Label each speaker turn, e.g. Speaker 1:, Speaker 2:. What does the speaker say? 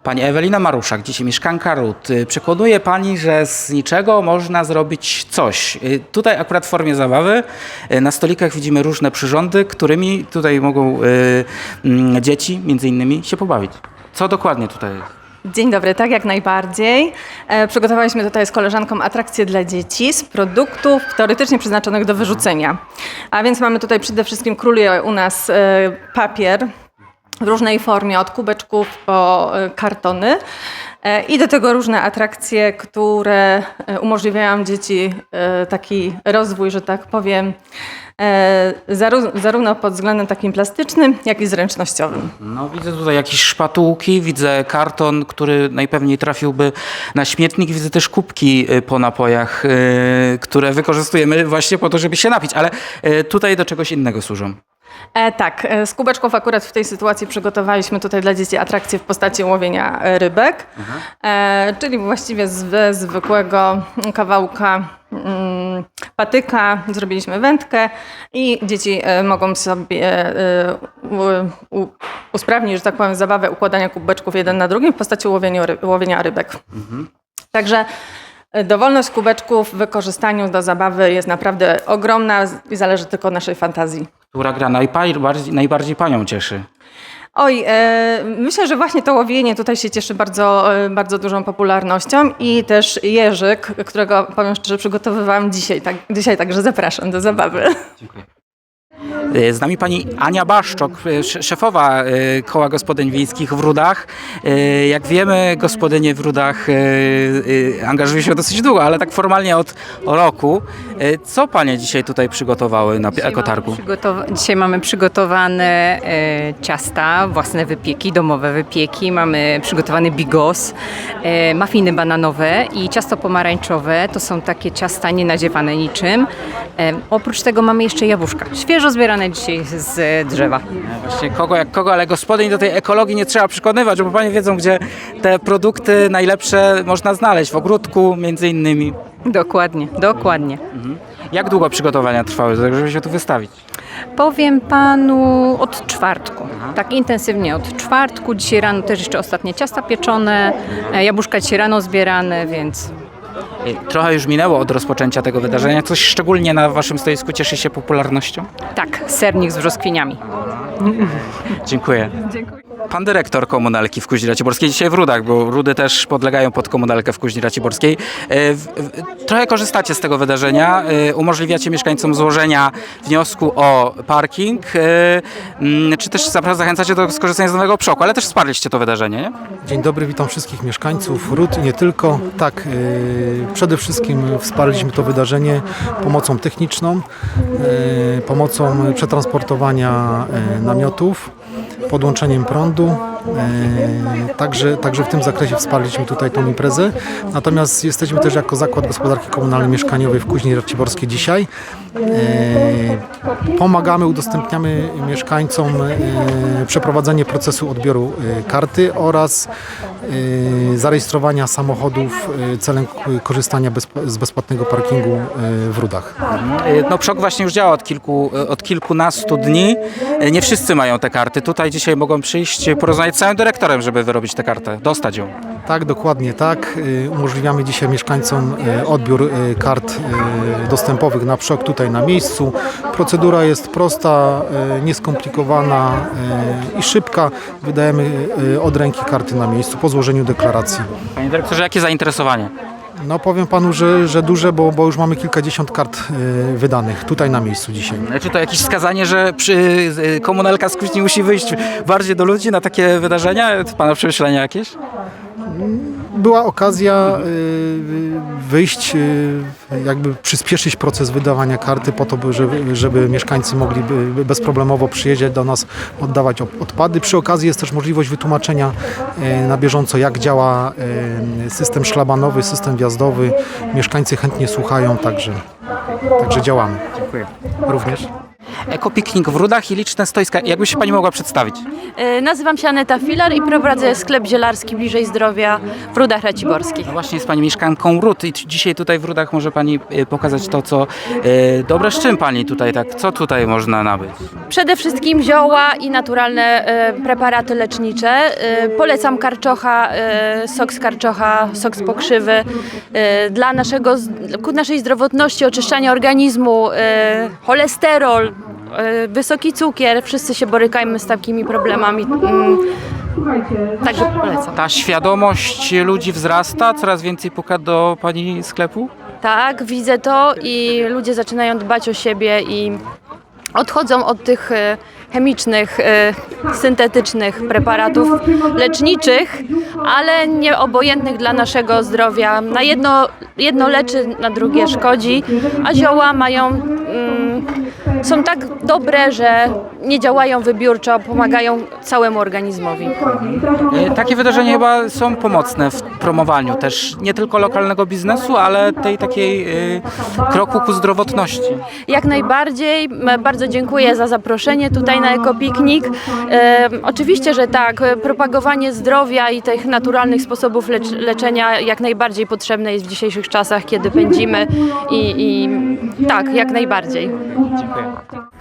Speaker 1: Pani Ewelina Maruszak, dzisiaj mieszkanka RUD. Przekonuje Pani, że z niczego można zrobić coś. Tutaj akurat w formie zabawy na stolikach widzimy różne przyrządy, którymi tutaj mogą dzieci między innymi się pobawić. Co dokładnie tutaj jest?
Speaker 2: Dzień dobry, tak jak najbardziej. Przygotowaliśmy tutaj z koleżanką atrakcje dla dzieci z produktów teoretycznie przeznaczonych do wyrzucenia. A więc mamy tutaj przede wszystkim króluje u nas papier w różnej formie, od kubeczków po kartony. I do tego różne atrakcje, które umożliwiają dzieci taki rozwój, że tak powiem, zarówno pod względem takim plastycznym, jak i zręcznościowym.
Speaker 1: No, widzę tutaj jakieś szpatułki, widzę karton, który najpewniej trafiłby na śmietnik. Widzę też kubki po napojach, które wykorzystujemy właśnie po to, żeby się napić, ale tutaj do czegoś innego służą.
Speaker 2: Tak, z kubeczków akurat w tej sytuacji przygotowaliśmy tutaj dla dzieci atrakcję w postaci łowienia rybek, czyli właściwie ze zwykłego kawałka patyka zrobiliśmy wędkę i dzieci mogą sobie usprawnić, że tak powiem, zabawę układania kubeczków jeden na drugim w postaci łowienia rybek. Także dowolność kubeczków w wykorzystaniu do zabawy jest naprawdę ogromna i zależy tylko od naszej fantazji.
Speaker 1: Która gra najbardziej Panią cieszy?
Speaker 2: Oj, myślę, że właśnie to łowienie tutaj się cieszy bardzo dużą popularnością i też jeżyk, którego powiem szczerze przygotowywałam dzisiaj, także zapraszam do zabawy.
Speaker 1: Dziękuję. Z nami pani Ania Baszczok, szefowa Koła Gospodyń Wiejskich w Rudach. Jak wiemy, gospodynie w Rudach angażują się dosyć długo, ale tak formalnie od roku. Co panie dzisiaj tutaj przygotowały na ekotargu?
Speaker 3: Dzisiaj mamy przygotowane ciasta, własne wypieki, domowe wypieki. Mamy przygotowany bigos, mafiny bananowe i ciasto pomarańczowe. To są takie ciasta nienadziewane niczym. Oprócz tego mamy jeszcze jabłuszka, świeżo zbierane dzisiaj z drzewa.
Speaker 1: Właśnie kogo jak kogo, ale gospodyń do tej ekologii nie trzeba przekonywać, bo panie wiedzą, gdzie te produkty najlepsze można znaleźć, w ogródku między innymi.
Speaker 3: Dokładnie.
Speaker 1: Jak długo przygotowania trwały, żeby się tu wystawić?
Speaker 3: Powiem panu od czwartku. Tak intensywnie od czwartku. Dzisiaj rano też jeszcze ostatnie ciasta pieczone, jabłuszka dzisiaj rano zbierane, więc...
Speaker 1: Trochę już minęło od rozpoczęcia tego wydarzenia. Coś szczególnie na waszym stoisku cieszy się popularnością?
Speaker 3: Tak, sernik z brzoskwiniami.
Speaker 1: Dziękuję. Pan dyrektor komunalki w Kuźni Raciborskiej, dzisiaj w Rudach, bo Rudy też podlegają pod komunalkę w Kuźni Raciborskiej. Trochę korzystacie z tego wydarzenia, umożliwiacie mieszkańcom złożenia wniosku o parking, czy też zachęcacie do skorzystania z nowego przoku, ale też wsparliście to wydarzenie, nie?
Speaker 4: Dzień dobry, witam wszystkich mieszkańców Rud i nie tylko. Tak, przede wszystkim wsparliśmy to wydarzenie pomocą techniczną, pomocą przetransportowania namiotów, podłączeniem prądu. Także w tym zakresie wsparliśmy tutaj tą imprezę. Natomiast jesteśmy też jako Zakład Gospodarki Komunalnej Mieszkaniowej w Kuźni Raciborskiej dzisiaj. Pomagamy, udostępniamy mieszkańcom przeprowadzenie procesu odbioru karty oraz zarejestrowania samochodów celem korzystania z bezpłatnego parkingu w Rudach.
Speaker 1: No PSZOK właśnie już działa od kilkunastu dni. Nie wszyscy mają te karty. Tutaj dzisiaj mogą przyjść, porozmawiać z całym dyrektorem, żeby wyrobić tę kartę, dostać ją.
Speaker 4: Tak, dokładnie tak. Umożliwiamy dzisiaj mieszkańcom odbiór kart dostępowych na PSZOK tutaj na miejscu. Procedura jest prosta, nieskomplikowana i szybka. Wydajemy od ręki karty na miejscu po złożeniu deklaracji.
Speaker 1: Panie dyrektorze, jakie zainteresowanie?
Speaker 4: No powiem panu, że duże, bo już mamy kilkadziesiąt kart wydanych tutaj na miejscu dzisiaj.
Speaker 1: Czy to jakieś wskazanie, że komunalka z Kuźni musi wyjść bardziej do ludzi na takie wydarzenia? Pana przemyślenia jakieś?
Speaker 4: Była okazja wyjść, jakby przyspieszyć proces wydawania karty po to, żeby mieszkańcy mogli bezproblemowo przyjeżdżać do nas, oddawać odpady. Przy okazji jest też możliwość wytłumaczenia na bieżąco, jak działa system szlabanowy, system wjazdowy. Mieszkańcy chętnie słuchają, także działamy.
Speaker 1: Dziękuję.
Speaker 4: Również.
Speaker 1: Ekopiknik w Rudach i liczne stoiska. Jakby się Pani mogła przedstawić?
Speaker 5: Nazywam się Aneta Filar i prowadzę sklep zielarski Bliżej Zdrowia w Rudach Raciborskich.
Speaker 1: No właśnie jest Pani mieszkanką Ród i dzisiaj tutaj w Rudach może Pani pokazać to, co dobre, z czym Pani tutaj tak, co tutaj można nabyć?
Speaker 5: Przede wszystkim zioła i naturalne preparaty lecznicze. Polecam karczocha, sok z karczocha, sok z pokrzywy. Dla ku naszej zdrowotności, oczyszczania organizmu, cholesterol, wysoki cukier. Wszyscy się borykamy z takimi problemami. Także polecam.
Speaker 1: Ta świadomość ludzi wzrasta, coraz więcej puka do Pani sklepu?
Speaker 5: Tak, widzę to i ludzie zaczynają dbać o siebie i odchodzą od tych chemicznych, syntetycznych preparatów leczniczych, ale nieobojętnych dla naszego zdrowia. Na jedno leczy, na drugie szkodzi, a zioła są tak dobre, że nie działają wybiórczo, pomagają całemu organizmowi.
Speaker 1: Takie wydarzenia chyba są pomocne w promowaniu też nie tylko lokalnego biznesu, ale tej takiej kroku ku zdrowotności.
Speaker 5: Jak najbardziej. Bardzo dziękuję za zaproszenie tutaj na Ekopiknik. Oczywiście, że tak, propagowanie zdrowia i tych naturalnych sposobów leczenia jak najbardziej potrzebne jest w dzisiejszych czasach, kiedy pędzimy i tak, jak najbardziej.
Speaker 1: Dziękuję.